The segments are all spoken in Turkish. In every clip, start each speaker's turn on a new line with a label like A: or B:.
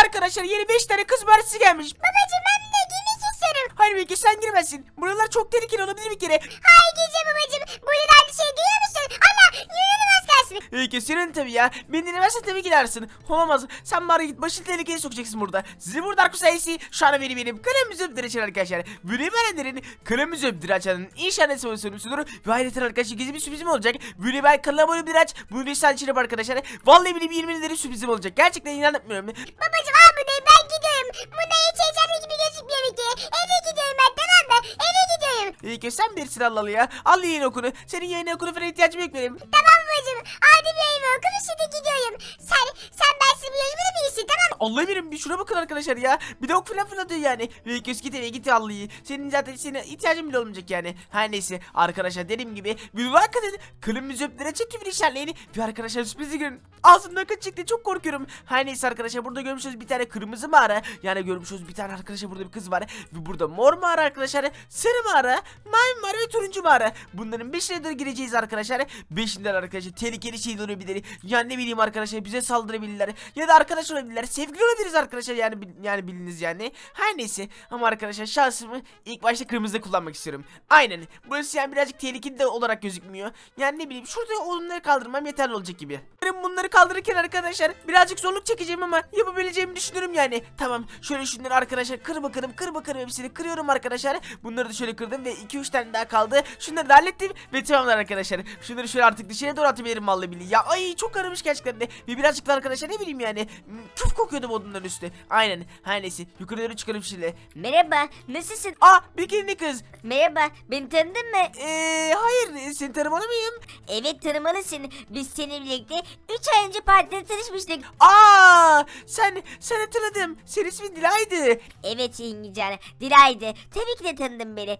A: arkadaşlar yeni 5 tane kız partisi gelmiş.
B: Babacım ben de girmek istiyorum.
A: Hayır Bilge sen girmezsin. Buralar çok tehlikeli olabilir bir kere.
B: Hayır gireceğim babacım. Burada da bir şey duyuyor musun? Allah yürüyelim az kalsın.
A: Bilge senin tabii ya. Beni dinlemezsen tabii gidersin. Olamaz. Sen bari git başını tehlikeye sokacaksın burada. Sizi burada Dark Sayısı şu an benim kanalımızı öptür açın arkadaşlar. Böyle beğenenlerin kanalımızı öptür açanın inşallah sorumlusudur. Ve ayrıca arkadaşlar gizli bir sürprizim olacak. Böyle ben kanala abone bir aç. Bunu lütfen içine arkadaşlar. Vallahi benim 20 lira sürprizim olacak. Gerçekten inanmıyorum.
B: Babacım al bunu ben gidiyorum. Bunda hiç heyecanlı gibi gözükmüyor ki. Eve gidiyorum ben tamam mı? Eve gidiyorum.
A: İyi ki sen bilirsin Allah'lı ya. Al yayın okunu. Senin yayın okunu falan ihtiyacım yok benim.
B: Tamam babacım. Hadi bir evime okul şimdi gidiyorum. Sen bensiz bu yarışmada bir iyisin tamam mı?
A: Allah bilir bir şuna bakın arkadaşlar ya. Bir de ok falan fırlatıyor yani. Ve göz git eve git Allah'ı. Senin zaten ihtiyacın bile olmayacak yani. Her neyse arkadaşlar dediğim gibi bir like atın. Kılımızı öptüre çekti bir işaretleyin. Ve arkadaşlar sürprizi görün. Ağzımdan kaç çıktı çok korkuyorum. Her neyse arkadaşlar burada görmüşüz bir tane kırmızı mağara. Yani görmüşüz bir tane arkadaşlar burada bir kız var. Ve burada mor mağara arkadaşlar. Sarı mağara, mavi mağara ve turuncu mağara. Bunların 5'ine doğru gireceğiz arkadaşlar. 5'inden arkadaşlar tehlikeli şeyler olabilir. Yani ne bileyim arkadaşlar bize saldırabilirler. Ya da arkadaş olabilirler. Sevgili olabiliriz arkadaşlar yani biliniz yani. Her neyse ama arkadaşlar şansımı ilk başta kırmızıda kullanmak istiyorum. Aynen. Burası yani birazcık tehlikeli de olarak gözükmüyor. Yani ne bileyim şurada onları kaldırmam yeterli olacak gibi. Benim bunları kaldırırken arkadaşlar birazcık zorluk çekeceğim ama yapabileceğimi düşünüyorum yani. Tamam şöyle şunları arkadaşlar kır bakalım hepsini kırıyorum arkadaşlar. Bunları da şöyle kırdım ve 2-3 tane daha kaldı. Şunları da hallettim ve tamamlar arkadaşlar. Şunları şöyle artık dışarıya doğru atabilirim vallahi billahi. Ya ay çok aramış gerçekten de. Ve birazcık da arkadaşlar ne bileyim yani. Küf kokuyordu bu odunların üstü. Aynen. Her neyse yukarı doğru çıkarım şimdi.
B: Merhaba nasılsın?
A: Aa bikini kız.
B: Merhaba beni tanıdın mı?
A: Hayır seni tanımalı mıyım?
B: Evet tanımalısın. Biz seninle birlikte 3 ay önce partide tanışmıştık.
A: Aa sen hatırladım. Senin ismin Dilay'dı.
B: Evet İngilizce. Dilay'dı. Tabii ki de tanıdın beni.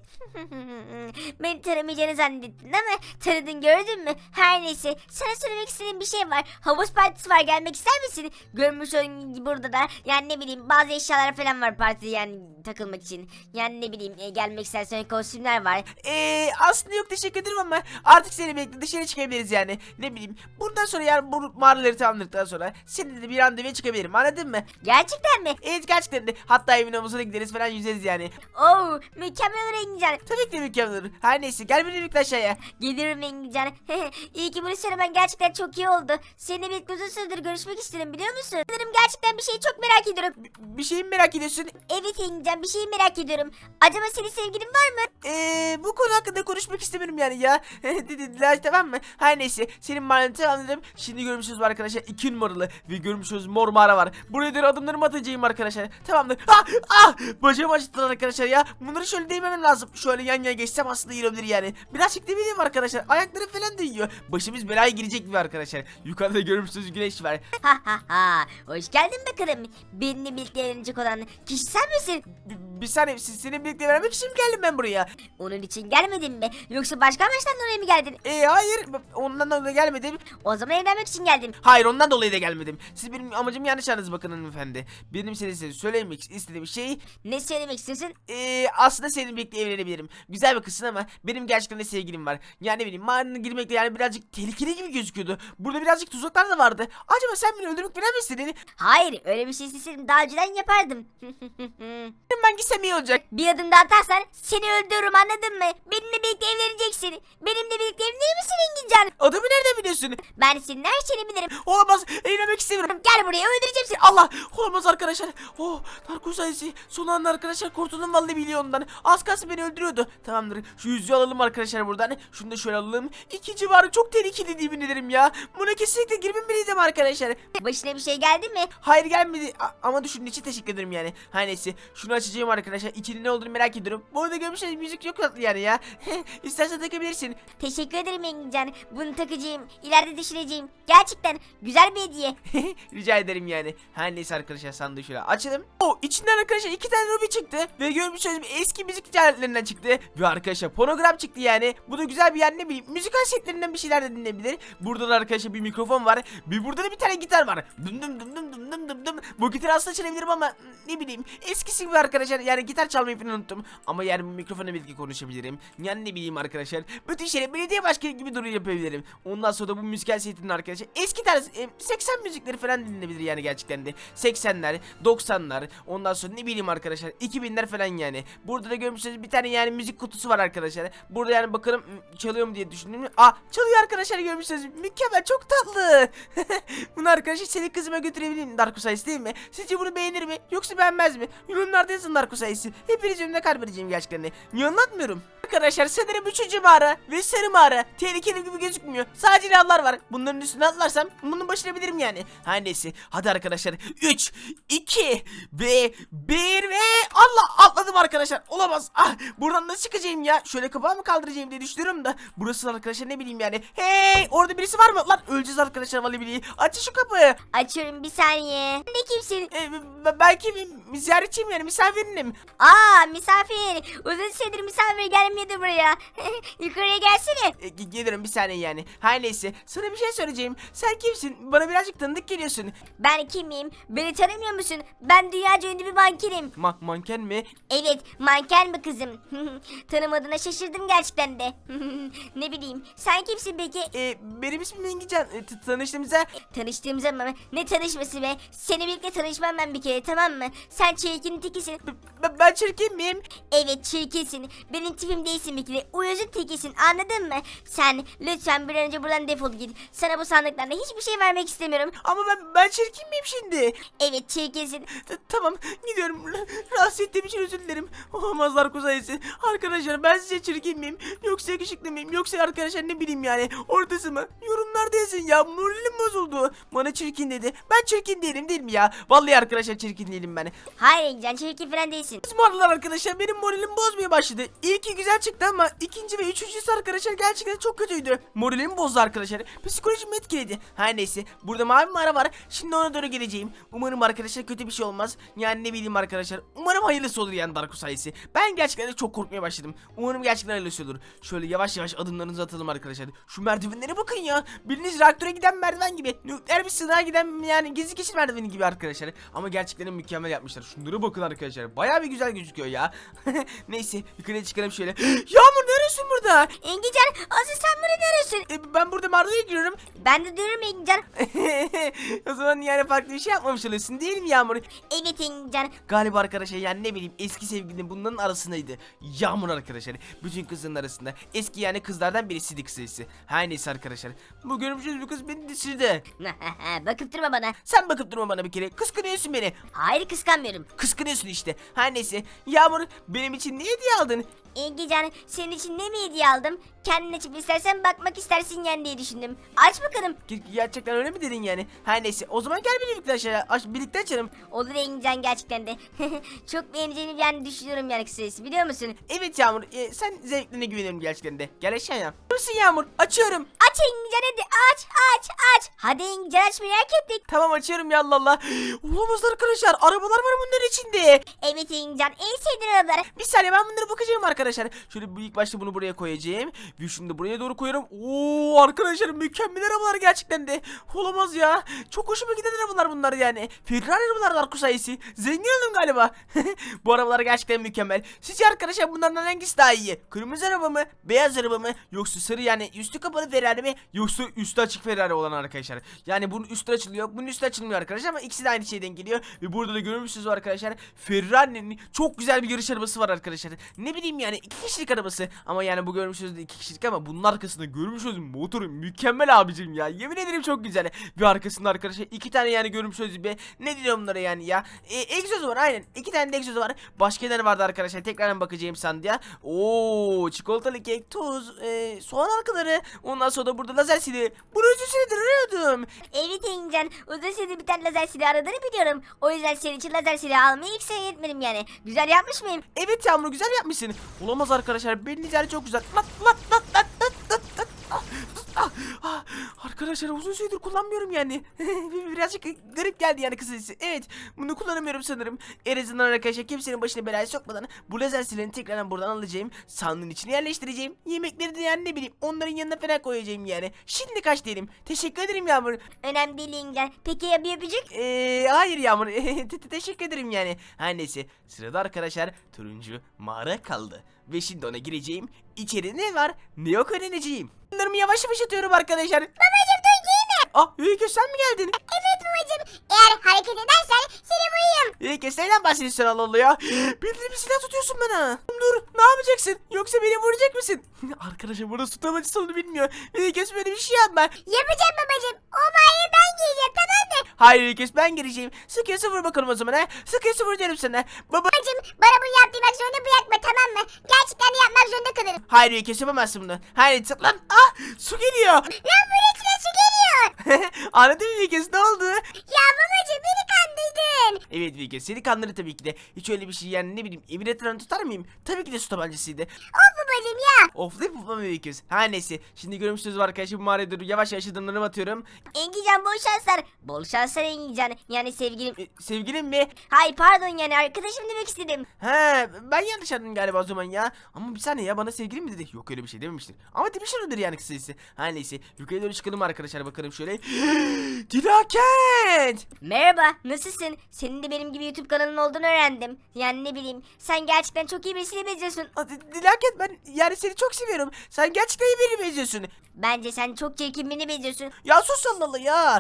B: Beni tanımayacağını zannettin ama tanıdın gördün mü? Her neyse sana söylemek istediğim bir şey var. Havuz partisi var gelmek ister misin? Görmüş olduğun gibi burada da yani ne bileyim bazı eşyalar falan var partide yani takılmak için. Yani ne bileyim gelmek istersen kostümler var.
A: Aslında yok teşekkür ederim ama artık seni bekle dışarı çıkabiliriz yani. Ne bileyim bundan sonra yani bu mağaraları tamamladıktan sonra seninle de bir randevuya çıkabilirim anladın mı?
B: Gerçekten mi?
A: Evet gerçekten de hatta evin havuzuna gideriz falan yüzeriz yani.
B: Oo mükemmel olur İngilizce.
A: Tabii ki de mükemmel olur. Her neyse gel benimle birlikte aşağıya.
B: Gelirim İngilizce. İyi ki bunu söylemen gerçekten çok iyi oldu. Seninle birlikte uzun süredir görüşmek istedim biliyor musun? Sanırım gerçekten bir şeyi çok merak ediyorum.
A: Bir şeyi mi merak ediyorsun?
B: Evet İngilizce bir şeyi merak ediyorum. Acaba senin sevgilin var mı?
A: Bu konu hakkında konuşmak istemiyorum yani ya. Dediler tamam mı? Her neyse senin maneti anladım. Şimdi görmüşüz arkadaşlar 2 numaralı ve görmüşüz mor mağara var. Buraya doğru adımlarımı atacağım arkadaşlar. Tamamdır. Bacağım acıttılar arkadaşlar ya. Bunları şöyle değmemem lazım. Şöyle yan yana geçsem aslında iyi olabilir yani. Birazcık değmeyeyim arkadaşlar. Ayaklarım falan değiyor. Başımız belaya girecek gibi arkadaşlar. Yukarıda görmüşsünüz güneş var.
B: Ha ha ha. Hoş geldin bakalım. Benimle birlikte evlenecek olan kişi sen misin?
A: Bir saniye senin birlikte vermek için mi geldim ben buraya?
B: Onun için gelmedin mi? Yoksa başka amaçtan dolayı mı geldin?
A: Hayır ondan dolayı gelmedim.
B: O zaman evlenmek için geldin.
A: Hayır ondan dolayı da gelmedim. Siz benim amacım yanlış anladınız bakın hanımefendi. Benim size söylemek istediğim şey
B: Ne söylemek istiyorsun?
A: aslında seninle birlikte evlenebilirim. Güzel bir kızsın ama benim gerçekten de sevgilim var. Yani ne bileyim mağaranın girmekte yani birazcık tehlikeli gibi gözüküyordu. Burada birazcık tuzaklar da vardı. Acaba sen beni öldürmek falan mı istedin?
B: Hayır öyle bir şey isteseydim daha önceden yapardım.
A: Ben gitsem iyi olacak.
B: Bir adım daha atarsan seni öldürürüm anladın mı? Benimle birlikte evleneceksin. Benimle birlikte evlenir misin İngilizcan?
A: Adımı nereden biliyorsun?
B: Ben senin her şeyini bilirim.
A: Olamaz. Evlenmek istemiyorum.
B: Gel buraya öldüreceğim seni.
A: Allah! Olamaz arkadaşlar. Darko sayısı. Son anda arkadaşlar kurtuldum vallahi milyondan. Az kalsın beni öldürüyordu. Tamamdır. Şu yüzüğü alalım arkadaşlar buradan. Şunu da şöyle alalım. İkinci var çok tehlikeli yemin ederim ya. Buna kesinlikle girmemeliydim arkadaşlar.
B: Başına bir şey geldi mi?
A: Hayır gelmedi ama düşündüğün için teşekkür ederim yani. Her neyse şunu açacağım arkadaşlar. İçinde ne olduğunu merak ediyorum. Bu arada görmüşsünüz müzik yok tatlı yani ya. İstersen takabilirsin.
B: Teşekkür ederim İngilizcan. Bunu takacağım. İleride düşüneceğim. Gerçekten güzel bir hediye.
A: Rica ederim yani. Her neyse arkadaşlar sandığı şöyle açalım. İçinden arkadaşlar 2 tane ruby çıktı. Ve görmüşsünüz eski müzik aletlerinden çıktı. Ve arkadaşlar fonogram çıktı yani. Bu da güzel bir yer ne bileyim. Müzik setlerinden bir şeyler de dinleyebilir. Burada da arkadaşlar bir mikrofon var. Burada da bir tane gitar var. Dım dım dım dım dım dım dım dım. Bu gitarı aslında çalabilirim ama ne bileyim eskisi gibi arkadaşlar, yani gitar çalmayı falan unuttum. Ama yani bu mikrofona belki konuşabilirim. Yani ne bileyim arkadaşlar, bütün şeyleri belediye başkanı gibi duruyor yapabilirim. Ondan sonra da bu müzikal setinin arkadaşlar eski tarz 80 müzikleri falan dinlenebilir yani gerçekten de. 80'ler, 90'lar, ondan sonra ne bileyim arkadaşlar 2000'ler falan yani. Burada da görmüşsünüz bir tane yani müzik kutusu var arkadaşlar. Burada yani bakalım çalıyor mu diye düşündüm. Çalıyor arkadaşlar, görmüşsünüz. Mükemmel, çok tatlı. Bunu arkadaşlar senin kızıma götürebilirim, Darko sayısı değil mi? Sizce bunu beğenir mi yoksa beğenmez mi? Yorumlarda yazın Darko sayısı. Hepiniz önümde kalp edeceğim gerçekten de. Niye anlatmıyorum? Arkadaşlar sanırım 3. mağara ve sarı mağara tehlikeli gibi gözükmüyor. Sadece lavlar var. Bunların üstüne atlarsam bunun başarabilirim yani. Her neyse. Hadi arkadaşlar. 3, 2 ve 1 ve Allah, atladım arkadaşlar. Olamaz. Buradan nasıl çıkacağım ya? Şöyle kapağı mı kaldıracağım diye düşünüyorum da. Burası arkadaşlar ne bileyim yani. Hey, orada birisi var mı? Lan öleceğiz arkadaşlar vallahi billahi. Açın şu kapıyı.
B: Açıyorum, bir saniye. Ne kimsin?
A: Belki bir ziyaretçiyim yani, misafirinim.
B: Misafir. Uzun süredir misafir gelmedi buraya. Yukarıya gelsene.
A: Gelirim bir saniye yani. Her neyse, sana bir şey söyleyeceğim. Sen kimsin? Bana birazcık tanıdık geliyorsun.
B: Ben kimim? Beni tanımıyor musun? Ben dünyaca ünlü bir mankenim.
A: Manken mi?
B: Evet, manken mi kızım? Tanımadığına şaşırdım gerçekten de. Ne bileyim, sen kimsin peki?
A: Benim ismim Engican. Tanıştığımıza...
B: Tanıştığımız ama ne tanışması be? Seni birlikte tanışmam ben bir kere, tamam mı? Sen çirkin tekisin.
A: Ben çirkin miyim?
B: Evet, çirkinsin. Benim tipim değilsin bir kere. Uyuzun tekisin, anladın mı? Sen lütfen bir an önce buradan defol git. Sana bu sandıklarda hiçbir şey vermek istemiyorum.
A: Ama ben çirkin miyim şimdi?
B: Evet, çirkinsin.
A: Tamam, gidiyorum. Rahatsız ettiğim için özür dilerim. Olamazlar kuzayısı. Arkadaşlar, ben size çirkin miyim? Yoksa yakışıklı mıyım? Yoksa arkadaşlar ne bileyim yani. Ortası mı? Yorumlarda yazın ya. Moralim bozuldu. Bana çirkin dedi. Ben çirkin değilim değil mi ya? Vallahi arkadaşlar çirkin değilim ben.
B: Hayır Encan, çirkin falan değilsin.
A: Bu aralar arkadaşlar benim moralim bozmaya başladı. İlki güzel çıktı ama ikinci ve üçüncüsü arkadaşlar gerçekten çok kötüydü. Moralimi bozdu arkadaşlar. Psikolojimi etkiledi. Her neyse, burada mavi mağara var. Şimdi ona doğru geleceğim. Umarım arkadaşlar kötü bir şey olmaz. Yani ne bileyim arkadaşlar. Umarım hayırlısı olur yani Darko sayısı. Ben gerçekten de çok korkmaya başladım. Umarım gerçekten hayırlısı olur. Şöyle yavaş yavaş adımlarınızı atalım arkadaşlar. Şu merdivenlere bakın ya. Bildiğiniz reaktöre giden merdiven gibi. Nükleer bir sınığa giden yani gizli geçit merdiveni gibi arkadaşlar. Ama gerçekten mükemmel yapmışlar. Şunlara bakın arkadaşlar. Bayağı bir güzel gözüküyor ya. Neyse, yukarıya çıkalım şöyle. Yağmur, neresin burada?
B: Engican, asıl sen bunu neresi?
A: Ben burada mağaraya giriyorum.
B: Ben de diyorum Engican.
A: O zaman yani farklı bir şey yapmamış oluyorsun değil mi Yağmur?
B: Evet Engican.
A: Galiba arkadaşlar yani ne bileyim eski sevgilinin bunların arasındaydı. Yağmur arkadaşlar. Bütün kızların arasında. Eski yani kızlardan birisiydi kısacası. Her neyse arkadaşlar. Bu görmüşsünüz bu kız beni düşürdü.
B: Bakıp durma bana.
A: Sen bakıp durma bana bir kere. Kıskanıyorsun beni.
B: Hayır, kıskanmıyorum.
A: Kıskanıyorsun işte. Her neyse. Yağmur, benim için ne hediye aldın?
B: Engican, senin için ne mi hediye aldım? Kendin açıp istersen bakmak istersin yani diye düşündüm. Aç bakalım.
A: Gerçekten öyle mi dedin yani? Her neyse. O zaman gel birlikte aşağıya. Birlikte açalım.
B: Olur Engican, gerçekten de. Çok beğeneceğini yani düşünüyorum yani kısacası, biliyor musun?
A: Evet Yağmur. Sen zevklerine güveniyorum gerçekten de. Gel aşağıya. Nasılsın Yağmur? Açıyorum.
B: Aç Engican, hadi aç. Hadi Engican, aç, merak ettik.
A: Tamam, açıyorum ya Allah Allah. Olamaz arkadaşlar. Arabalar var bunların içinde.
B: Evet Engican, en sevdiğin arabalar.
A: Bir saniye, ben bunlara bakacağım arkadaşlar. Şöyle ilk başta bunu buraya koyacağım. Ve şunu da buraya doğru koyuyorum. Oo arkadaşlar, mükemmel arabalar gerçekten de. Olamaz ya. Çok hoşuma giden arabalar bunlar yani. Ferrari arabalar Darko sayısı. Zengin oldum galiba. Bu arabalar gerçekten mükemmel. Sizce arkadaşlar bunlardan hangisi daha iyi? Kırmızı araba mı? Beyaz araba mı? Yoksa sarı yani üstü kapalı Ferrari mi? Yoksa üstü açık Ferrari olan arkadaşlar. Yani bunun üstü açılıyor. Bunun üstü açılmıyor arkadaşlar ama ikisi de aynı şeyden geliyor. Ve burada da görmüşsünüz arkadaşlar. Ferrari'nin çok güzel bir yarış arabası var arkadaşlar. Ne bileyim yani 2 kişilik arabası. Ama yani bu görmüşsünüz 2 kişilik ama bunun arkasında görmüşsünüz motoru mükemmel abicim ya. Yemin ederim çok güzel. Ve arkasında arkadaşlar 2 tane yani görmüşsünüz be. Ne diyorum bunlara yani ya. Egzozu var aynen. 2 tane de egzozu var. Başka neler vardı arkadaşlar? Tekrardan bakacağım sandığa. Oo, çikolatalı kek, tuz, soğan halkaları. Ondan sonra da burada lazer sili. Bunu uzun süredir arıyordum.
B: Evet Engican, uzun süredir bir tane lazer silahı aradığını biliyorum. O yüzden senin için lazer silahı almayı hiç seyretmedim yani. Güzel yapmış mıyım?
A: Evet Yağmur, güzel yapmışsın. Olamaz arkadaşlar, benim yani çok güzel. Lan. Arkadaşlar uzun süredir kullanmıyorum yani. Birazcık garip geldi yani kısacası. Evet, bunu kullanamıyorum sanırım. En azından arkadaşlar kimsenin başına belaya sokmadan bu lazer silahını tekrardan buradan alacağım. Sandığın içine yerleştireceğim. Yemekleri de yani ne bileyim onların yanına falan koyacağım yani. Şimdi kaç diyelim. Teşekkür ederim Yağmur.
B: Önemli değil İngilizce. Peki ya bir öpücük?
A: Hayır Yağmur. Teşekkür ederim yani. Her neyse, sırada arkadaşlar turuncu mağara kaldı. Ve şimdi ona gireceğim. İçeride ne var ne yok öğreneceğim. Bunlarımı yavaş yavaş atıyorum arkadaşlar.
B: Babacım dur giyme.
A: Ah Öykü, sen mi geldin?
B: Evet babacım. Eğer hareket edersen seni vurayım.
A: Öykü, neyden bahsediyorsun Allah Allah ya? Bildiğin bir silah tutuyorsun bana. Dur, ne yapacaksın? Yoksa beni vuracak mısın? Arkadaşlar burada su tabancası onu bilmiyor. Öykü, böyle bir şey yapma.
B: Yapacağım babacım. O mağarayı ben giyeceğim tamam mı?
A: Hayır Öykü, ben gireceğim. Sıkıyorsa vur bakalım o zaman ha. Sıkıyorsa vur derim sana. Baba.
B: Babacım bana bunu yaptırmak zorunda bırakma tamam mı? Gerçekten de yapmak zorunda kalırım.
A: Hayır Öykü, yapamazsın bunu. Hayır lan. Ah, su geliyor.
B: Lan buraya içine su geliyor.
A: Anladın mı Öykü, ne oldu?
B: Ya babacım beni kandırdın.
A: Evet Öykü, seni kandırdı tabii ki de. Hiç öyle bir şey yani, ne bileyim, evin etrafını tutar mıyım? Tabii ki de su tabancasıydı.
B: Of babacım ya.
A: Oflayıp oflamam Öykü. Her neyse, şimdi görmüşsünüz arkadaşlar, bu mağaraya doğru yavaş yavaş adımlarımı atıyorum.
B: Engican bol şanslar. Bol şanslar Engican. Yani sevgilim.
A: Sevgilim mi?
B: Hay pardon yani arkadaşım demek istedim.
A: He, ben yanlış anladım galiba o zaman ya. Ama bir saniye ya, bana sevgilim mi dedi? Yok, öyle bir şey dememiştir. Ama demiştir odur yani kısacası. Her neyse, yukarı doğru çıkalım arkadaşlar, bakalım şöyle. Dilakent!
B: Merhaba nasılsın? Senin de benim gibi YouTube kanalın olduğunu öğrendim. Yani ne bileyim sen gerçekten çok iyi birisine benziyorsun.
A: Dilakent, ben yani seni çok seviyorum. Sen gerçekten iyi birine benziyorsun.
B: Bence sen çok çirkin birine benziyorsun.
A: Ya sus Allah Allah ya.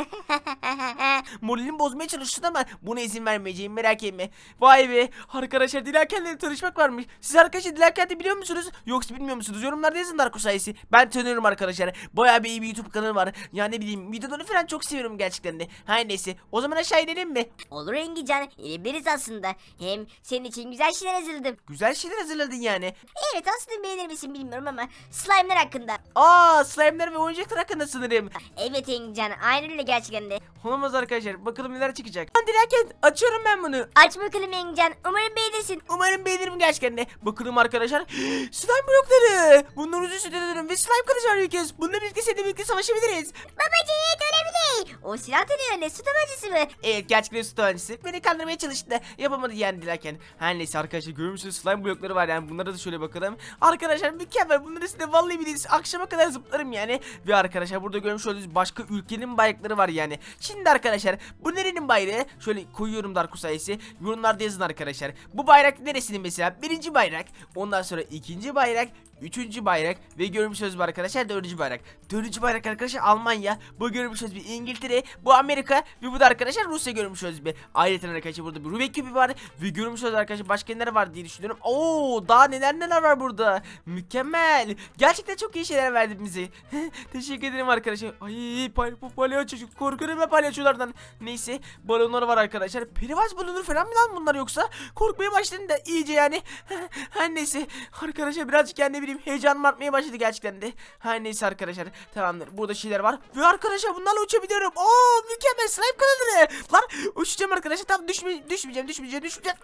A: Moralimi bozmaya çalıştın ama buna izin vermeyeceğim, merak etme. Vay be arkadaşlar, Dilakent'le tanışmak varmış. Siz arkadaşlar Dilakent'i biliyor musunuz? Yoksa bilmiyor musunuz? Yorumlarda yazın Darko sayesi. Ben tanıyorum arkadaşlar. Bayağı bir iyi bir YouTube kanalı var. Yani ne bileyim, videolarını falan çok seviyorum gerçekten de. Her neyse, o zaman aşağı inelim mi?
B: Olur Engican inebiliriz aslında. Hem senin için güzel şeyler hazırladım.
A: Güzel şeyler hazırladın yani.
B: Evet aslında beğenir misin bilmiyorum ama slime'lar hakkında.
A: Slime'ler ve oyuncaklar hakkında sanırım.
B: Evet Engican aynen öyle gerçekten de.
A: Olamaz arkadaşlar, bakalım neler çıkacak. Dilakent, açıyorum ben bunu.
B: Aç bakalım Engican umarım beğenirsin.
A: Umarım beğenirim gerçekten de. Bakalım arkadaşlar. Slime blokları. Bunlar uzun süre dönüyorum ve slime kılıcı var ülkes. Bununla birlikte seninle birlikte savaşabiliriz.
B: Babacığım evet önemli değil. O silah da ne öyle su tabancası mı?
A: Evet, gerçekten su tabancası. Beni kandırmaya çalıştı da yapamadı yani dilerken. Her neyse arkadaşlar, görmüşsünüz slime blokları var yani. Bunlara da şöyle bakalım. Arkadaşlar mükemmel. Bunları size vallahi biliriz. Akşama kadar zıplarım yani. Ve arkadaşlar burada görmüş olduğunuz başka ülkenin bayrakları var yani. Şimdi arkadaşlar bu nerenin bayrağı? Şöyle koyuyorum Darko sayesi. Yorumlarda yazın arkadaşlar. Bu bayrak neresinin mesela? Birinci bayrak. Ondan sonra ikinci bayrak. Üçüncü bayrak ve görmüşsünüz bu arkadaşlar dördüncü bayrak. Dördüncü bayrak arkadaşlar Almanya. Bu görmüşsünüz bir İngiltere. Bu Amerika ve bu da arkadaşlar Rusya görmüşsünüz bir. Ayrıca arkadaşlar burada bir Rubik küpü var. Ve görmüşsünüz arkadaşlar başka neler var diye düşünüyorum. Oo, daha neler var burada. Mükemmel. Gerçekten çok iyi şeyler verdi bize. Teşekkür ederim arkadaşlar. Ay palyaço, korkuyorum ben palyaçolardan. Neyse, balonlar var arkadaşlar. Perivaz balonu falan mı lan bunlar yoksa? Korkmaya başladım da iyice yani. Her neyse arkadaşlar, birazcık kendi heyecanım artmaya başladı gerçekten de. Her neyse arkadaşlar, tamamdır, burada şeyler var ve arkadaşlar bunlarla uçabiliyorum. Oo, mükemmel slime kanalı. Lan uçacağım arkadaşlar, tam düşmeyeceğim.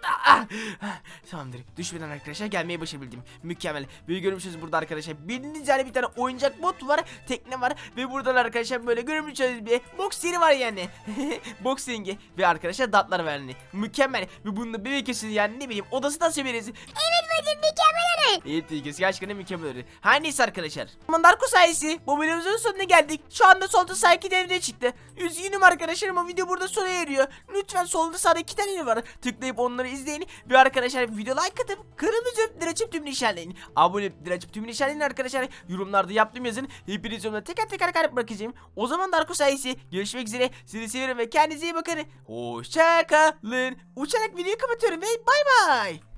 A: Tamamdır, düşmeden arkadaşlar gelmeye başarabildim. Mükemmel. Ve görmüşsünüz burada arkadaşlar bildiğiniz yani bir tane oyuncak bot var, tekne var ve buradan arkadaşlar böyle görmüşsünüz bir box yeri var yani. Box ringi ve arkadaşlar datlar var yani. Mükemmel. Ve bununla bebek kesin yani, ne bileyim, odası da severiz.
B: Evet bacım mükemmel öyle.
A: Evet İlkes, gerçekten mükemmel öyle. Her neyse arkadaşlar. Darko sayesi bu videomuzun sonuna geldik. Şu anda solda sağ iki devreye çıktı. Üzgünüm arkadaşlar ama video burada sona eriyor. Lütfen solda sağda iki tane yer var. Tıklayıp onları izleyin. Ve arkadaşlar video like atıp kırmızı öptür açıp tümünü işaretleyin. Abone öptür açıp tümünü işaretleyin arkadaşlar. Yorumlarda yaptığım yazın. Hepiniz yorumlara teker kalp bırakacağım. O zaman Darko sayesi görüşmek üzere. Sizi seviyorum ve kendinize iyi bakın. Hoşça kalın. Uçarak videoyu kapatıyorum ve bay bay.